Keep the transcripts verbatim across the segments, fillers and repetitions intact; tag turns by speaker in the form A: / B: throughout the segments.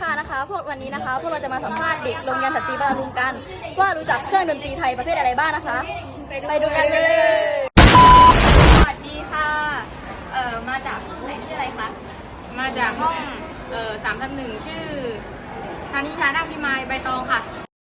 A: ค่ะนะคะพวกวันนี้นะคะพวกเราจะมาสัมภาษณ์เด็กโรงเรียนสตรีบารุงกันว่ารู้จักเครื่องดนตรีไทยประเภทอะไรบ้างนะคะไปดูกันเลย
B: สวัสดีค่ะเอ่อมาจากไหนชื่ออะไรคะมาจากห้องเอ่อสามทับหนึ่งชื่อธานิชาดังพิมายใบตองค่ะ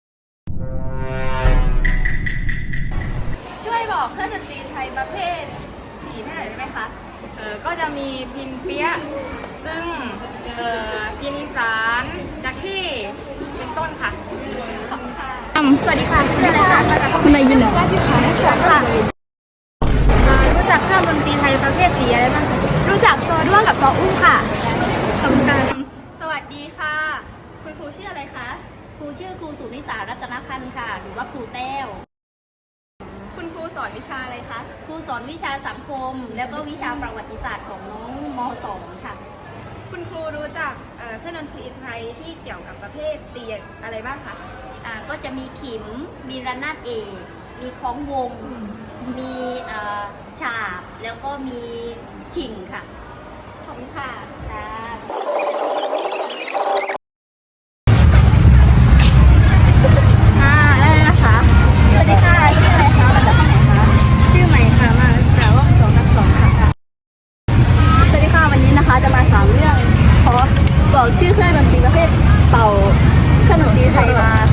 B: ช่วยบอกเครื่องดนตรีไทยประเภทสี่ได้หน่อยได้ไหมคะเออก็จะมีพินเปี๊ยะซึ่งเอ่อพินอีสานจักที่เป็นต้นค่ะขอบคุณค่ะสวัสดีค่ะชื่ออะไรคะมาจากคุณนายยินเหรอค่ะค่ะรู้จักเครื่องดนตรีไทยประเภทสีอะไรบ้างคะรู้จักซอด้วงกับซออุ้มค่ะขอบคุณค่ะสวัสดีค่ะคุณครูชื่ออะไรคะ
C: ครูชื่อครูสุนิสารัตนพันธ์ค่ะหรือว่าครูแต้ว
B: คุณครูสอนวิชาอะไรคะ
C: ครูสอนวิชาสังคมแล้วก็วิชาประวัติศาสตร์ของน้องม .สอง ค่ะ
B: คุณครูรู้จักเครื่องดนตรีไทยที่เกี่ยวกับประเภทตีอะไรบ้างคะ
C: อ่าก็จะมีขิมมีระนาดเอกมีคล้องวงมีฉาบแล้วก็มีชิงค่ะ
B: ขอบคุณค่ะ
C: ค่ะ
A: จะมาถามเรื่องขอบอกชื่อเครื่องดนตรีประเภทเป่าเครื่องดนตรีไทยมา